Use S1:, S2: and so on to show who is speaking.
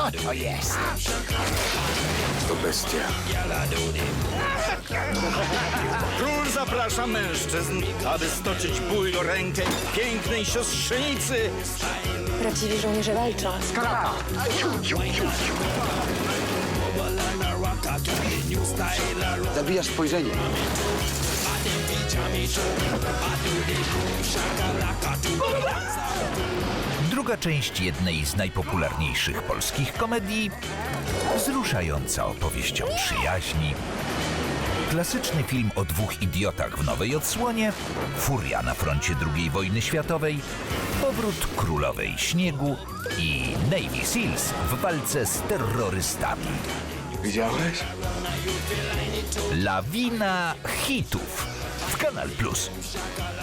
S1: Co to jest?
S2: To bestia.
S3: Król zaprasza mężczyzn, aby stoczyć bój o rękę pięknej siostrzenicy.
S4: Prawdziwi żołnierze walczą.
S2: Zabijasz spojrzenie.
S5: Druga część jednej z najpopularniejszych polskich komedii, wzruszająca opowieść o przyjaźni, klasyczny film o dwóch idiotach w nowej odsłonie, furia na froncie II wojny światowej, powrót królowej śniegu i Navy Seals w walce z terrorystami.
S2: Widziałeś?
S5: Lawina hitów w Kanal Plus.